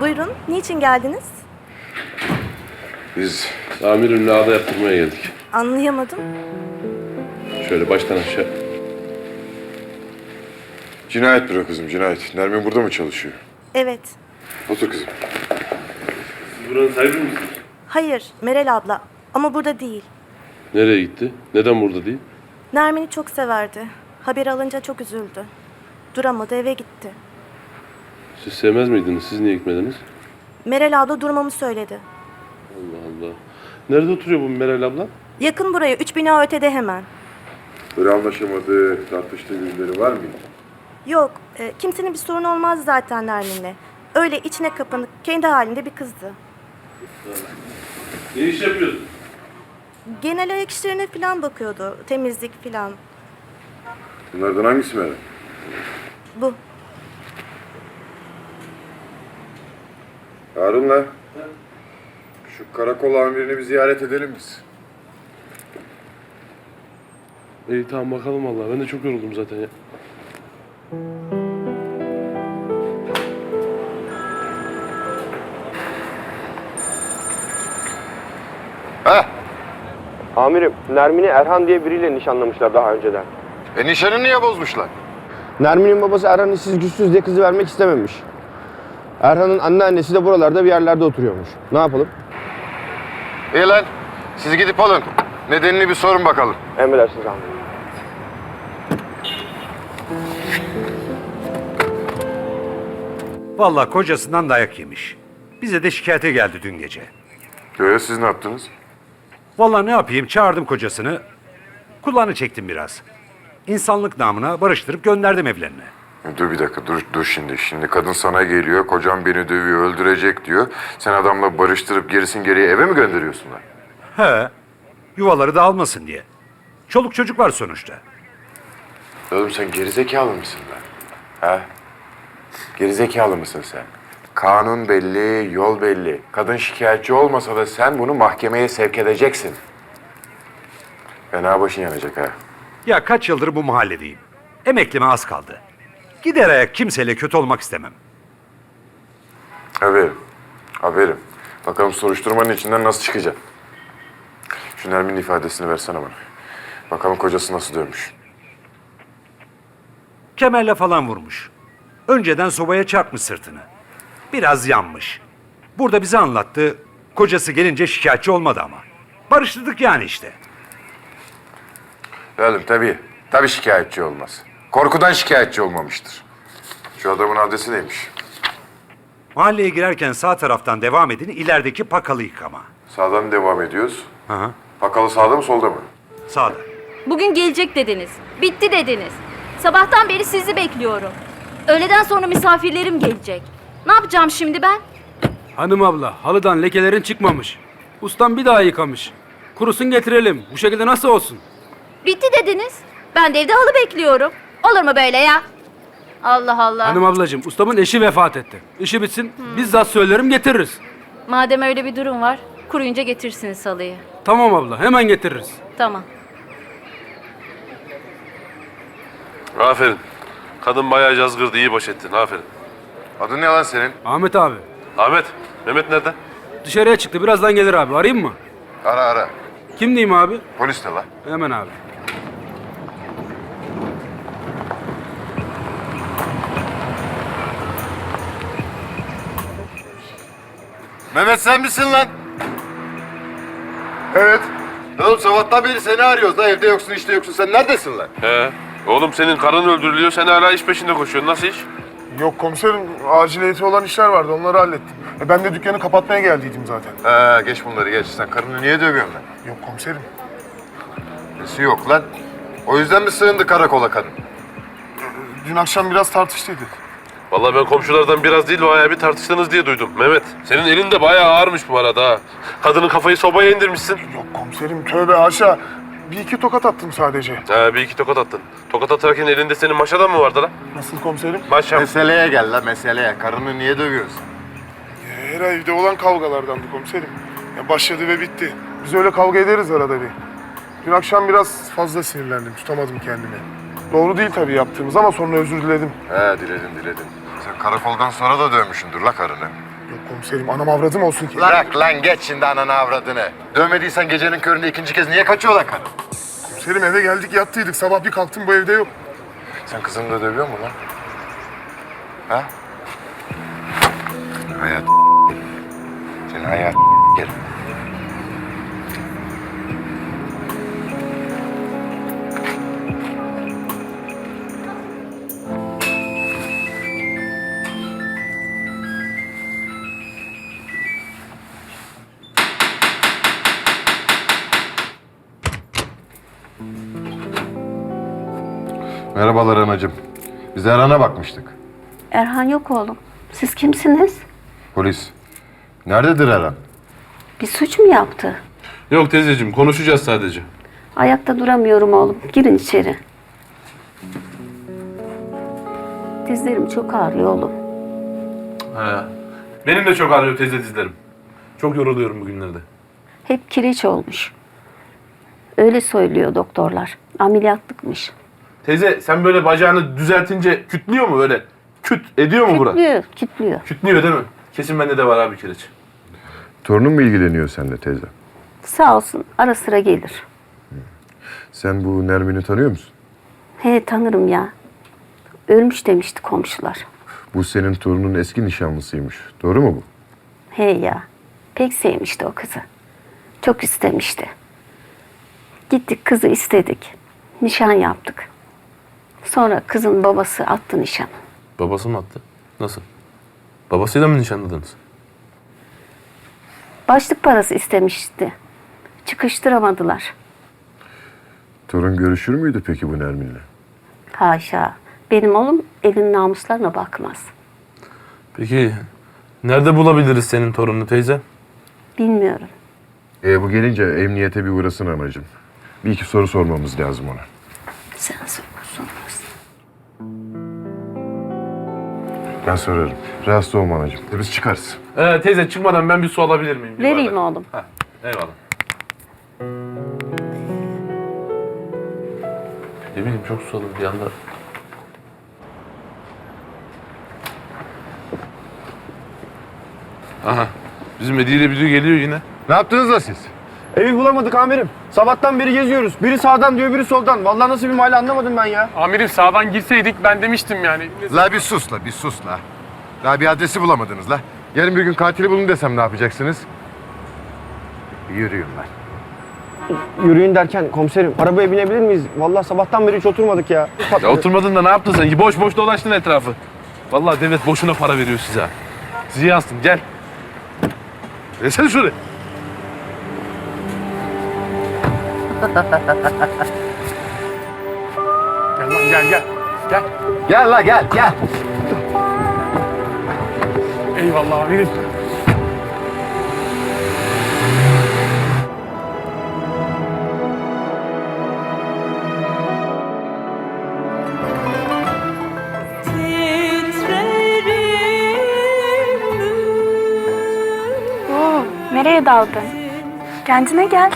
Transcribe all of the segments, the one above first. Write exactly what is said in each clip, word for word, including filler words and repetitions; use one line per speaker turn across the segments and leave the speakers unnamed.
Buyurun, niçin geldiniz?
Biz amirimle ağda yaptırmaya geldik.
Anlayamadım.
Şöyle baştan aşağı.
Cinayet büro kızım, cinayet. Nermin burada mı çalışıyor?
Evet.
Otur kızım.
Siz buranın sahibi misiniz?
Hayır, Meral abla. Ama burada değil.
Nereye gitti? Neden burada değil?
Nermin'i çok severdi. Haber alınca çok üzüldü. Duramadı, eve gitti.
Siz sevmez miydiniz? Siz niye gitmediniz?
Meral abla durmamı söyledi.
Allah Allah. Nerede oturuyor bu Meral abla?
Yakın buraya, üç bina ötede hemen.
Böyle anlaşamadığı, tartıştığı birileri var mıydı?
Yok, e, kimsenin bir sorunu olmaz zaten Nermin'le. Öyle içine kapanık, kendi halinde bir kızdı.
Ne iş yapıyorsun?
Genel ayak işlerine falan bakıyordu, temizlik falan.
Bunlardan hangisi Meral?
Bu.
Harun'la şu karakol amirini bir ziyaret edelim biz.
İyi tamam bakalım vallahi. Ben de çok yoruldum zaten ya.
Ha?
Amirim, Nermin'i Erhan diye biriyle nişanlamışlar daha önceden.
E nişanı niye bozmuşlar?
Nermin'in babası Erhan'ın siz güçsüz diye kızı vermek istememiş. Erhan'ın anneannesi de buralarda bir yerlerde oturuyormuş. Ne yapalım?
İyi lan, siz gidip alın. Nedenini bir sorun bakalım.
Emredersiniz amirim.
Vallahi kocasından dayak yemiş. Bize de şikayete geldi dün gece.
Göğe siz ne yaptınız?
Vallahi ne yapayım, çağırdım kocasını. Kulağını çektim biraz. İnsanlık namına barıştırıp gönderdim evlerine.
Dur bir dakika, dur, dur şimdi. Şimdi kadın sana geliyor, kocam beni dövüyor, öldürecek diyor. Sen adamla barıştırıp gerisin geriye eve mi gönderiyorsun lan?
He, yuvaları dağılmasın diye. Çoluk çocuk var sonuçta.
Oğlum sen gerizekalı mısın lan? Ha? Gerizekalı mısın sen? Kanun belli, yol belli. Kadın şikayetçi olmasa da sen bunu mahkemeye sevk edeceksin. Fena başın yanacak ha.
Ya kaç yıldır bu mahalledeyim. Emeklime az kaldı. Gider ayak kimseyle kötü olmak istemem.
Haberim, haberim. Bakalım soruşturmanın içinden nasıl çıkacak? Şu Nermin'in ifadesini versene bana. Bakalım kocası nasıl dövmüş.
Kemerle falan vurmuş. Önceden sobaya çarpmış sırtını. Biraz yanmış. Burada bize anlattı. Kocası gelince şikayetçi olmadı ama. Barıştırdık yani işte.
Oğlum tabii, tabii şikayetçi olmaz. Korkudan şikayetçi olmamıştır. Şu adamın adresi neymiş?
Mahalleye girerken sağ taraftan devam edin, ilerideki pakalı yıkama.
Sağdan devam ediyoruz.
Hı hı.
Pakalı sağda mı solda mı?
Sağda.
Bugün gelecek dediniz. Bitti dediniz. Sabahtan beri sizi bekliyorum. Öğleden sonra misafirlerim gelecek. Ne yapacağım şimdi ben?
Hanım abla, halıdan lekelerin çıkmamış. Ustam bir daha yıkamış. Kurusun getirelim. Bu şekilde nasıl olsun?
Bitti dediniz. Ben de evde halı bekliyorum. Olur mu böyle ya? Allah Allah.
Hanım ablacığım, ustamın eşi vefat etti. İşi bitsin, bizzat söylerim getiririz.
Madem öyle bir durum var, kuruyunca getirsiniz halıyı.
Tamam abla, hemen getiririz.
Tamam.
Aferin. Kadın bayağı cazgırdı. İyi baş ettin. Aferin.
Adın ne lan senin?
Ahmet abi,
Ahmet. Mehmet nerede?
dışarıya çıktı. Birazdan gelir abi. Arayayım mı?
Ara ara.
Kim diyeyim abi?
Polis de lan.
Hemen abi.
Mehmet sen misin lan? Evet. Oğlum sabahtan beri seni arıyoruz da evde yoksun işte yoksun. Sen neredesin lan?
He. Oğlum senin karın öldürülüyor. Sen hala iş peşinde koşuyorsun. Nasıl iş?
Yok komiserim, aciliyeti olan işler vardı, onları hallettim. E ben de dükkanı kapatmaya geldiydim zaten.
Ha geç bunları geç. Sen karını niye dövüyorsun lan?
Yok komiserim,
Nesi yok lan? O yüzden mi sığındı karakola kadın?
dün akşam biraz tartıştıydık.
Vallahi ben komşulardan biraz değil bayağı bir tartıştınız diye duydum. Mehmet. Senin elin de bayağı ağırmış bu arada ha. Kadının kafayı sobaya indirmişsin.
Yok komiserim, tövbe haşa. Bir iki tokat attım sadece.
Ha bir iki tokat attın. Tokat atarken elinde senin maşadan mı vardı lan?
Nasıl komiserim?
Maşa.
Meseleye gel lan meseleye. Karını niye dövüyorsun?
E, Her evde olan kavgalardandı komiserim. Ya başladı ve bitti. Biz öyle kavga ederiz arada bir. Dün akşam biraz fazla sinirlendim, tutamadım kendimi. Doğru değil tabii yaptığımız ama sonra özür diledim.
He diledim diledim. Sen karakoldan sonra da dövmüşsündür la karını.
Yok Komiserim anam avradım olsun ki.
Bırak lan geç şimdi ananı avradını. Dövmediysen gecenin köründe ikinci kez niye kaçıyor lan kadın?
Komiserim eve geldik yattıydık. Sabah bir kalktım bu evde yok.
Sen kızını da dövüyor musun lan? Ha? Hayat Senin hayat gel. Merhabalar anacığım. Biz Erhan'a bakmıştık.
Erhan yok oğlum. Siz kimsiniz?
Polis. Nerededir Erhan?
Bir suç mu yaptı?
Yok teyzeciğim konuşacağız sadece.
Ayakta duramıyorum oğlum. Girin içeri. Dizlerim çok ağrıyor oğlum.
He. Benim de çok ağrıyor teyze dizlerim. Çok yoruluyorum bugünlerde.
Hep kireç olmuş. Öyle söylüyor doktorlar. Ameliyatlıkmış.
Teyze sen böyle bacağını düzeltince kütlüyor mu böyle? Küt ediyor mu bura?
Kütlüyor, kütlüyor.
Kütlüyor değil mi? Kesin bende de var abi kireç.
Torunun mu ilgileniyor seninle teyze?
Sağ olsun ara sıra gelir.
Sen bu Nermin'i tanıyor musun?
He tanırım ya. Ölmüş demişti komşular.
Bu senin torunun eski nişanlısıymış. Doğru mu bu?
He ya. Pek sevmişti o kızı. Çok istemişti. Gittik kızı istedik. Nişan yaptık. Sonra kızın babası attı nişanı.
Babası mı attı? Nasıl? Babasıyla mı nişanladınız?
Başlık parası istemişti. Çıkıştıramadılar.
Torun görüşür müydü peki bu Nermin'le?
Haşa. Benim oğlum elin namuslarına bakmaz.
Peki nerede bulabiliriz senin torununu teyze?
Bilmiyorum.
E bu gelince emniyete bir uğrasın anacığım. Bir iki soru sormamız lazım ona.
Sen sorarsan.
Ben sorarım. Rahatsız olma anacığım. E biz çıkarız.
Ee, teyze çıkmadan ben bir su alabilir miyim? Bir
Vereyim
bardak?
oğlum.
Heh, eyvallah. Ne bileyim çok susadım bir anda. Aha. Bizim Hediye ile biri geliyor yine.
Ne yaptınız da siz?
Evi bulamadık amirim. Sabahtan beri geziyoruz. Biri sağdan diyor, biri soldan. Vallahi nasıl bir mahalle anlamadım ben ya.
Amirim sağdan girseydik ben demiştim yani.
La bir sus la, bir sus la. La bir adresi bulamadınız la. Yarın bir gün katili bulun desem ne yapacaksınız? Yürüyün lan.
Yürüyün derken komiserim arabaya binebilir miyiz? Vallahi sabahtan beri hiç oturmadık ya.
Ya oturmadın da ne yaptın sen? Boş boş dolaştın etrafı. Vallahi devlet boşuna para veriyor size. Ziyansın gel. Gelsene şuraya.
Gel lan gel gel. Gel.
Gel la gel, gel.
Eyvallah amirim.
Oo, nereye daldın? Kendine gel.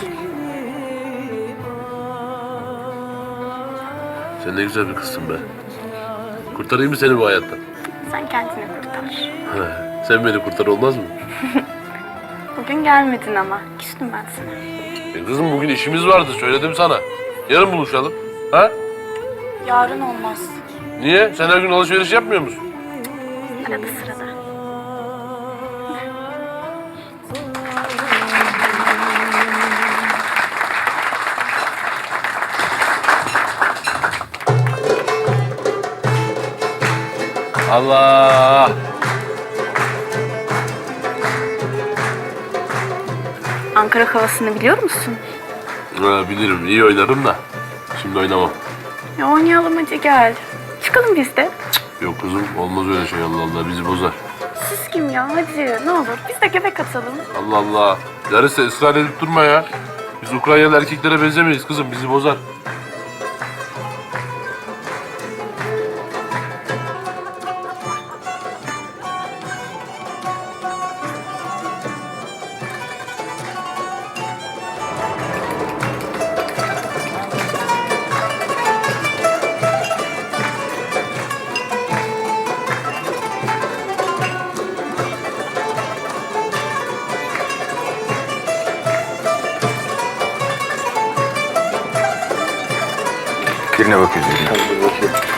Sen ne güzel bir kızsın be. Kurtarayım mı seni bu hayattan?
Sen kendini kurtar.
Sen beni kurtar olmaz mı?
Bugün gelmedin ama. Küstüm ben sana.
E kızım bugün işimiz vardı söyledim sana. Yarın buluşalım. Ha?
Yarın olmaz.
Niye? Sen her gün alışveriş yapmıyor musun?
Arada sırada.
Allah!
Ankara havasını biliyor musun?
Ha, bilirim, iyi oynarım da. Şimdi oynamam.
Ya oynayalım hadi gel. Çıkalım biz de.
Yok kızım, olmaz öyle şey Allah Allah, bizi bozar.
Siz kim ya? Hadi ne olur. Biz de göbek atalım.
Allah Allah. Larissa ısrar edip durma ya. Biz Ukraynalı erkeklere benzemeyiz kızım, bizi bozar.
Birine bakıyoruz. Birine.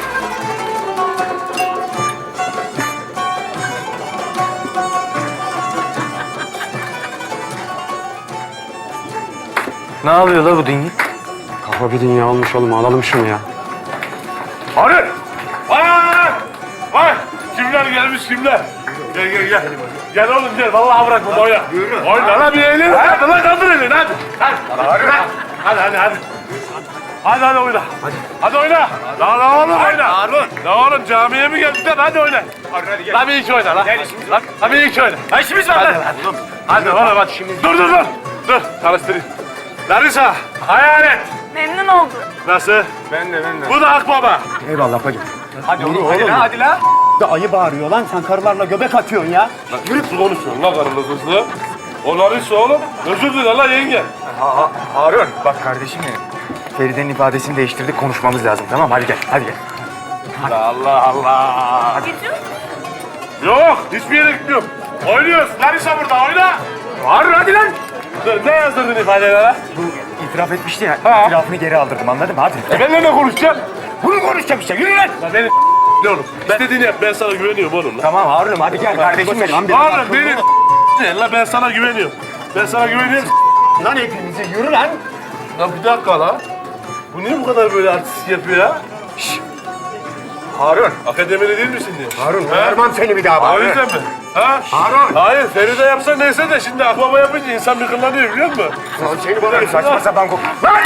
Ne yapıyor la bu dünya? Kafa bir dünya olmuş oğlum. Alalım şunu ya.
Arın! Vay! Vay! Kimler gelmiş kimler? Gel gel gel. Gel oğlum gel. Vallahi bırakma oyna. Oyna lan bir eğlen. Hadi lan kaldır elini hadi. Hadi. Hadi hadi hadi. Hadi hadi oyna. Hadi. Hadi oyna. Lan lan oğlum oyna. Harun. Lan oğlum camiye mi geldin lan? Hadi oyna. Harun hadi gel. Lan bir iki oyna lan. Gel işimiz var. Lan bir iki oyna. Ha işimiz var lan. Hadi oğlum. Hadi oğlum hadi. Dur dur dur. Dur. Çalıştırayım. Larissa. Hayalet.
Memnun oldum.
Nasıl?
Ben de ben de.
Bu da Akbaba.
Eyvallah bacım.
Hadi oğlum, hadi lan, hadi lan. Da ayı bağırıyor lan, sen karılarla göbek atıyorsun ya.
Lan yürü konuşuyorsun lan karılı kızlı. O Larissa oğlum. Özür diler lan yenge.
Ha, Harun. Bak kardeşim benim. Feride'nin ifadesini değiştirdik, konuşmamız lazım, tamam? Hadi gel, hadi gel.
Allah Allah. Yok, hiçbir yere gitmiyorum. Oynuyoruz. Larissa burada, oyna.
Harun hadi lan.
Dur, ne yazdırdın ifadelere?
Bu itiraf etmişti ya,
Ha.
itirafını geri aldırdım, anladın mı? Hadi.
E benimle ne konuşacağım?
Bunu konuşacağım işte, yürü lan.
Lan beni ne oğlum? İstediğini yap, ben sana güveniyorum oğlum lan.
Tamam Harun'um, hadi gel kardeşim benim.
Oğlum beni ne lan, ben sana güveniyorum. Ben sana güveniyorum.
Lan hepimizi yürü lan.
Lan bir dakika lan. Bu niye bu kadar böyle artistik yapıyor ya?
Harun.
Akademili değil misin diye.
Harun,
Ha?
vermem seni bir daha bak.
O yüzden mi? Ha?
Harun.
Hayır, Feride yapsa neyse de şimdi Akbaba yapınca insan bir kıllanıyor biliyor musun?
Lan seni bana saçma sapan kok... Lan!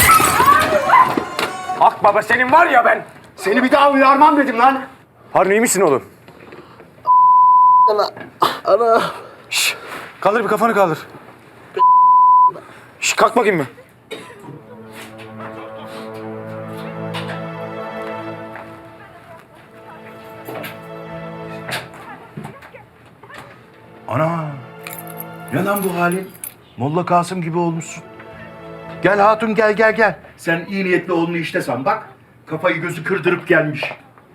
Akbaba senin var ya ben. Seni bir daha uyarmam dedim lan. Harun iyi misin oğlum? Ana. Ana. Şş, kaldır bir kafanı kaldır. Şş, kalk bakayım bir.
Ana! Ne lan bu halin? Molla Kasım gibi olmuşsun. Gel hatun gel gel gel. Sen iyi niyetli oğlunu işte san bak. Kafayı gözü kırdırıp gelmiş.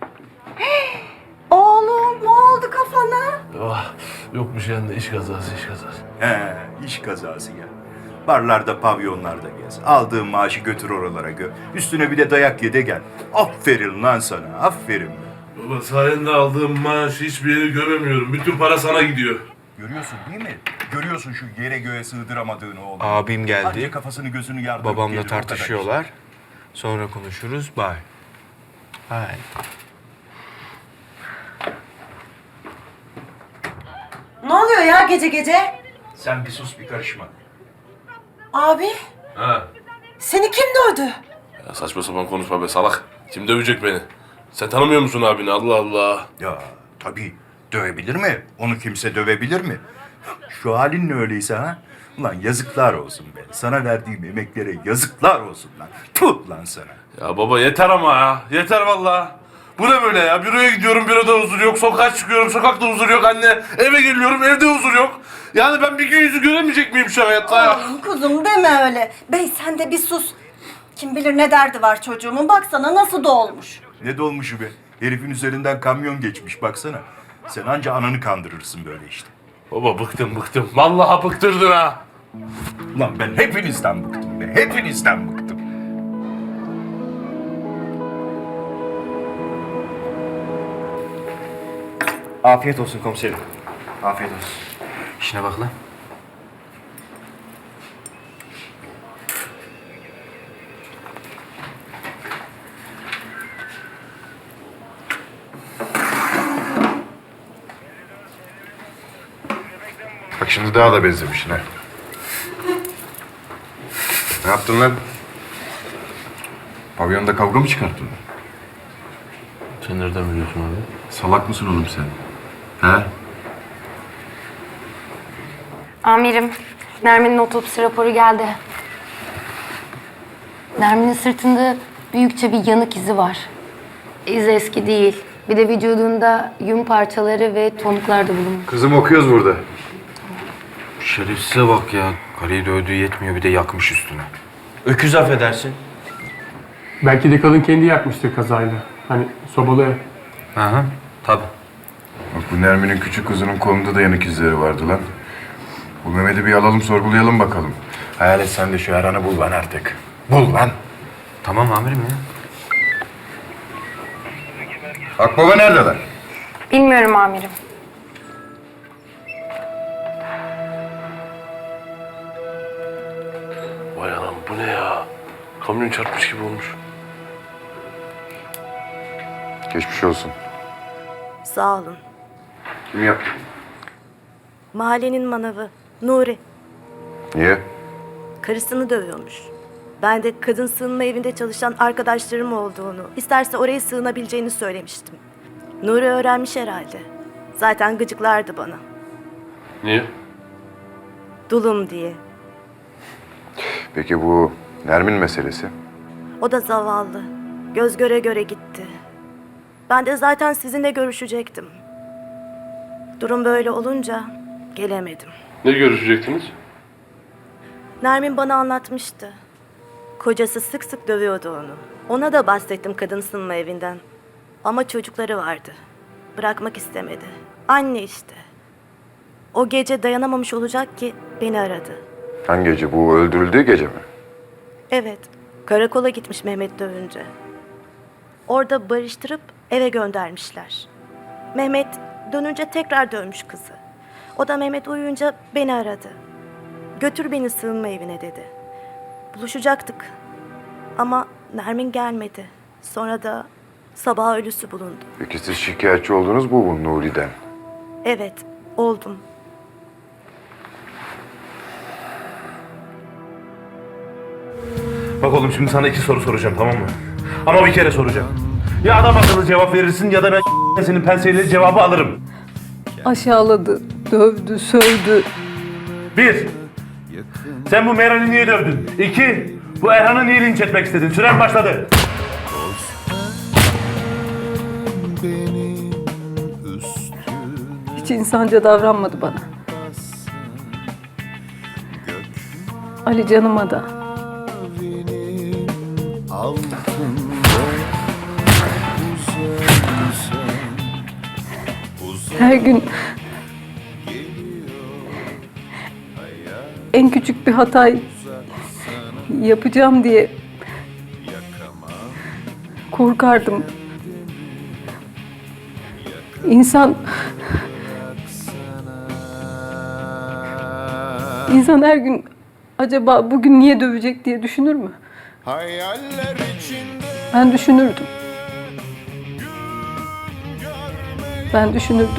Oğlum ne oldu kafana?
Oh, yok bir şey anne, iş kazası, iş kazası.
He, iş kazası ya. Barlarda, pavyonlarda gez. Aldığın maaşı götür oralara gö. Üstüne bir de dayak ye de gel. Aferin lan sana, aferin.
Baba sayende aldığım maaşı hiçbir yeri göremiyorum. Bütün para sana gidiyor.
Görüyorsun değil mi? Görüyorsun şu yere göğe sığdıramadığını oğlum.
Abim geldi.
Anca kafasını gözünü yardırıp
Babamla
geliyor, o kadar
tartışıyorlar. Sonra konuşuruz. Bye. Bye.
Ne oluyor ya gece gece?
işte. Sen bir sus, bir karışma.
Abi,
Ha.
seni kim dövdü?
Ya saçma sapan konuşma be salak. Kim dövecek beni? Sen tanımıyor musun abini? Allah Allah.
Ya tabii dövebilir mi? Onu kimse dövebilir mi? Şu halin ne öyleyse ha? Ulan yazıklar olsun be. Sana verdiğim emeklere yazıklar olsun lan. Tut lan sana.
Ya baba yeter ama ya. Yeter vallahi. Bu ne böyle ya? Büroya gidiyorum, büroda huzur yok. Sokağa çıkıyorum, sokakta huzur yok anne. Eve geliyorum, evde huzur yok. Yani ben bir gün yüzü göremeyecek miyim şu hayatta ya?
Oğlum kuzum deme öyle. Bey sen de bir sus. Kim bilir ne derdi var çocuğumun. Baksana nasıl dolmuş.
Ne dolmuşu be? Herifin üzerinden kamyon geçmiş baksana. Sen anca ananı kandırırsın böyle işte.
Baba bıktım bıktım. Vallahi bıktırdın ha.
Ulan ben hepinizden bıktım be. Hepinizden bıktım.
Afiyet olsun komiserim. Afiyet olsun.
İşine bak lan.
Bak şimdi daha da benzemişsin ha. Ne yaptın lan? Pavyonda kavga mı çıkarttın?
Sen nereden biliyorsun abi?
Salak mısın oğlum sen? Ha?
Amirim, Nermin'in otopsi raporu geldi. Nermin'in sırtında büyükçe bir yanık izi var. İz eski değil. Bir de vücudunda yün parçaları ve tonuklar da bulunmuş.
Kızım okuyoruz burada.
Şerefsize bak ya. Karıyı dövdüğü yetmiyor, bir de yakmış üstüne.
Öküz affedersin. Belki de kadın kendi yakmıştır kazayla. Hani sobalı ev.
Aha, tabii.
Bak bu Nermin'in küçük kızının kolunda da yanık izleri vardı lan. Bu Mehmet'i bir alalım sorgulayalım bakalım. Hayalet sen de şu Erhan'ı bul lan artık. Bul lan.
Tamam amirim ya.
Akbaba neredeler?
Bilmiyorum amirim.
Vay anam bu ne ya? Kamyon çarpmış gibi olmuş.
Geçmiş olsun.
Sağ olun.
Kim yaptı?
Mahallenin manavı Nuri.
Niye?
Karısını dövüyormuş. Ben de kadın sığınma evinde çalışan arkadaşlarım olduğunu, isterse oraya sığınabileceğini söylemiştim. Nuri öğrenmiş herhalde. Zaten gıcıklardı bana.
Niye?
Dulum diye.
Peki bu Nermin meselesi?
O da zavallı. Göz göre göre gitti. Ben de zaten sizinle görüşecektim. Durum böyle olunca gelemedim.
Ne görüşecektiniz?
Nermin bana anlatmıştı. Kocası sık sık dövüyordu onu. Ona da bahsettim kadın sığınma evinden. Ama çocukları vardı. Bırakmak istemedi. Anne işte. O gece dayanamamış olacak ki beni aradı.
Hangi gece? Bu öldürüldüğü gece mi?
Evet, karakola gitmiş Mehmet dövünce. Orada barıştırıp eve göndermişler. Mehmet dönünce tekrar dövmüş kızı. O da Mehmet uyuyunca beni aradı. Götür beni sığınma evine dedi. Buluşacaktık. Ama Nermin gelmedi. Sonra da sabah ölüsü bulundu.
Peki siz şikayetçi oldunuz mu bu Nuri'den?
Evet, oldum.
Bak oğlum şimdi sana iki soru soracağım tamam mı? Ama bir kere soracağım. Ya adam akıllı cevap verirsin ya da ben senin penseyle cevabı alırım.
Aşağıladı, dövdü, sövdü.
Bir, sen bu Meral'i niye dövdün? İki, bu Erhan'ı niye linç etmek istedin? Süren başladı.
Hiç insanca davranmadı bana. Ali canıma da. Her gün en küçük bir hatayı yapacağım diye korkardım. İnsan İnsan her gün acaba bugün niye dövecek diye düşünür mü? Ben düşünürdüm. Ben düşünürdüm.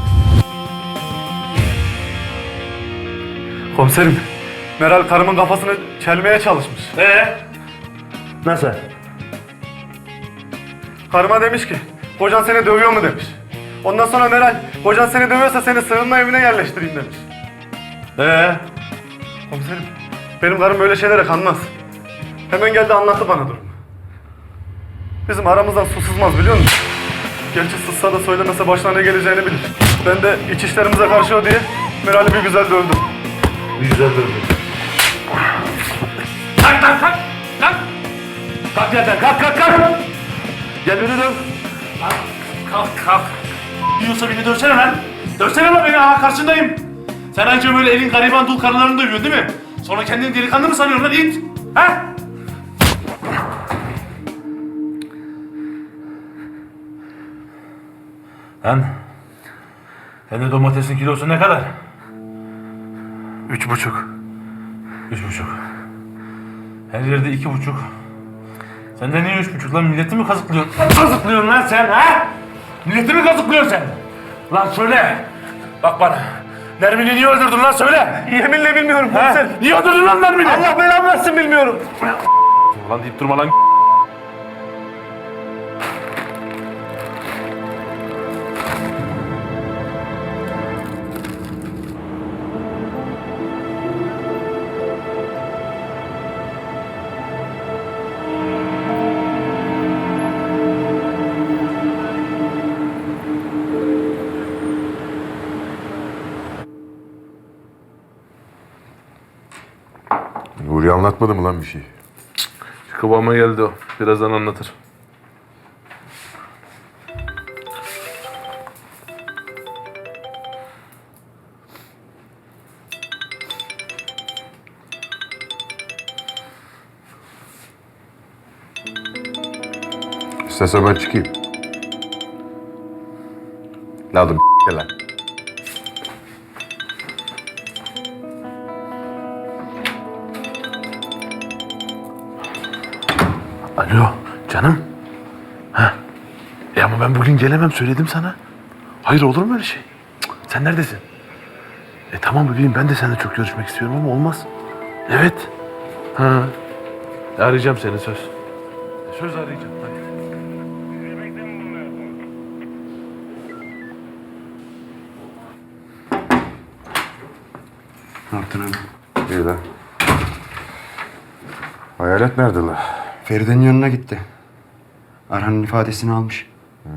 Komiserim, Meral karımın kafasını çelmeye çalışmış. Ee? Nasıl? Karıma demiş ki, kocan seni dövüyor mu demiş. Ondan sonra Meral, kocan seni dövüyorsa seni sığınma evine yerleştireyim demiş. Ee? Komiserim, benim karım böyle şeylere kanmaz. Hemen geldi anlattı bana durumu. Bizim aramızdan su sızmaz biliyor musun? Gerçi sızsa da söylemese başına ne geleceğini bilir. Ben de iç işlerimize karşı o diye Meral'i bir güzel dövdüm. Bir güzel dövdüm. Kalk kalk kalk! Kalk! Kalk yerden kalk kalk kalk! Gel beni döv. Kalk kalk kalk. Diyorsa beni dövsene lan. Dövsene lan beni aha karşındayım. Sen anca böyle elin gariban dul karılarını dövüyorsun değil mi? Sonra kendini delikanlı mı sanıyorsun lan it? Ha? Lan, sende domatesin kilosu ne kadar? Üç buçuk. Üç buçuk. Her yerde iki buçuk. Sen de niye üç buçuk lan? Milleti mi kazıklıyorsun? Kazıklıyorsun lan sen ha? Milleti mi kazıklıyorsun sen? Lan söyle. Bak bana. Nermin'i niye öldürdün lan söyle. Yeminle bilmiyorum komiser. Niye öldürdün lan Nermin'i? Allah belamı versin bilmiyorum. Ulan deyip durma lan.
Nuri anlatmadı mı lan bir şey?
Kıvama geldi o. Birazdan anlatır.
İstersen ben çıkayım. Ne oğlum lan?
Alo canım. Ha. E ama ben bugün gelemem söyledim sana. Hayır olur mu öyle şey? Cık, sen neredesin? E tamam bebeğim ben de seninle çok görüşmek istiyorum ama olmaz. Evet. Ha. E, arayacağım seni söz. E, söz arayacağım. Hadi.
Ne yaptın abi?
İyi lan. Hayalet nerede lan?
Feride'nin yanına gitti. Erhan'ın ifadesini almış.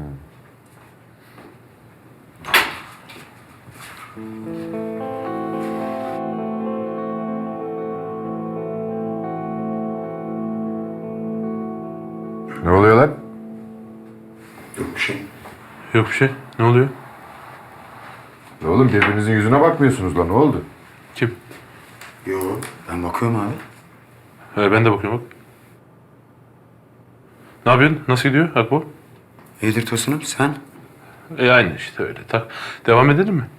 Ne oluyor lan?
Yok bir şey.
Yok bir şey. Ne oluyor?
Ne oğlum birbirinizin yüzüne bakmıyorsunuz lan ne oldu?
Kim?
Yok. Ben bakıyorum abi.
He, ben de bakıyorum bak. Ne yapıyorsun? Nasıl gidiyor Akbo?
İyidir Tosun'um sen?
E aynı işte öyle. Ta devam edelim mi?